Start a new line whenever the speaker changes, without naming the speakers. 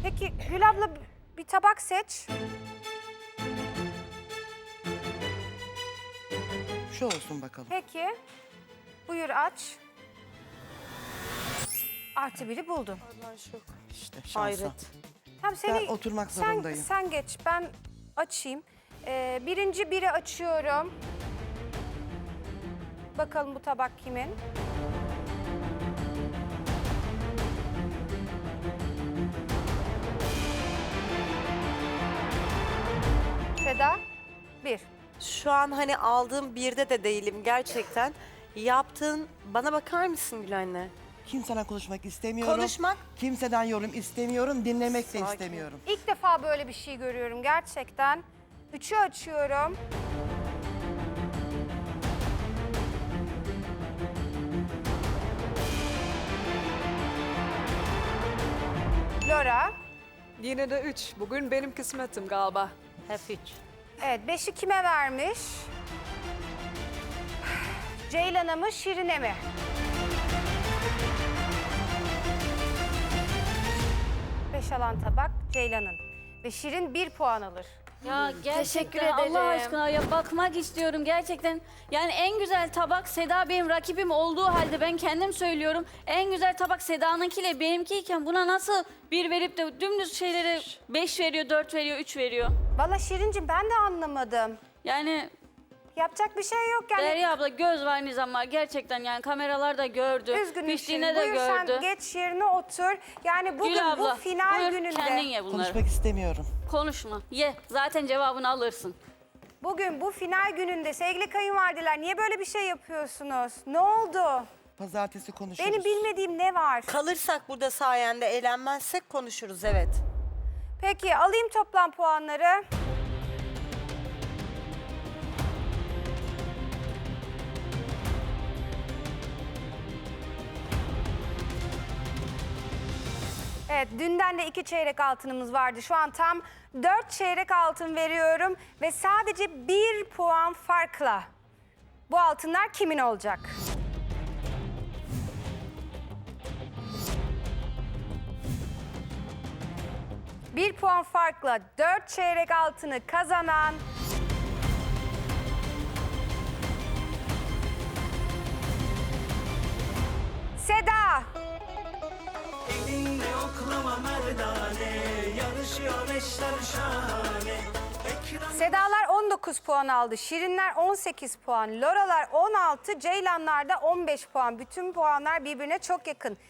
Peki Gül abla bir tabak seç.
Şu olsun bakalım.
Peki. Buyur aç. Artı biri buldun.
İşte şansa.
Hayret.
Tamam,
Ben oturmak zorundayım.
Sen geç, ben açayım. Birinci biri açıyorum. Bakalım bu tabak kimin? Seda, bir.
Şu an hani aldığım birde de değilim gerçekten. Yaptığın, bana bakar mısın Gül anne?
Kimseden konuşmak istemiyorum.
Konuşmak.
Kimseden yorum istemiyorum. Dinlemek de
Sakin.
istemiyorum.
İlk defa böyle bir şey görüyorum gerçekten. Üçü açıyorum. Laura.
Yine de 3. Bugün benim kısmetim galiba.
Hep 3.
Evet, beşi kime vermiş? Ceylan'a mı, Şirin'e mi? Beş alan tabak Ceylan'ın. Ve Şirin 1 puan alır.
Ya
Teşekkür
gerçekten Allah
ederim.
aşkına ya bakmak istiyorum gerçekten. Yani en güzel tabak Seda benim rakibim olduğu halde ben kendim söylüyorum. En güzel tabak Seda'nınkiyle benimkiyken buna nasıl bir verip de dümdüz şeylere 5 veriyor, 4 veriyor, 3 veriyor.
Valla Şirincim ben de anlamadım.
Yani
Yapacak bir şey yok yani.
Derya abla göz var nizam var gerçekten yani kameralar da gördü.
Üzgünüm Şirin.
Piştiğine de
Buyur
gördü.
sen geç yerine otur. Yani bugün
Gül abla
bu final
buyur
gününde.
kendin ye bunları.
Konuşmak istemiyorum.
Konuşma ye zaten cevabını alırsın.
Bugün bu final gününde sevgili kayınvalideler niye böyle bir şey yapıyorsunuz? Ne oldu?
Pazartesi konuşuruz.
Benim bilmediğim ne var?
Kalırsak burada sayende eğlenmezsek konuşuruz evet.
Peki alayım toplam puanları. Evet, dünden de 2 çeyrek altınımız vardı. Şu an tam 4 çeyrek altın veriyorum ve sadece 1 puan farkla bu altınlar kimin olacak? Bir puan farkla 4 çeyrek altını kazanan Seda.
Elinde oklama merdane, yarışıyor eşler şahane.
Sedalar 19 puan aldı, Şirinler 18 puan, Loralar 16, Ceylanlar da 15 puan. Bütün puanlar birbirine çok yakın.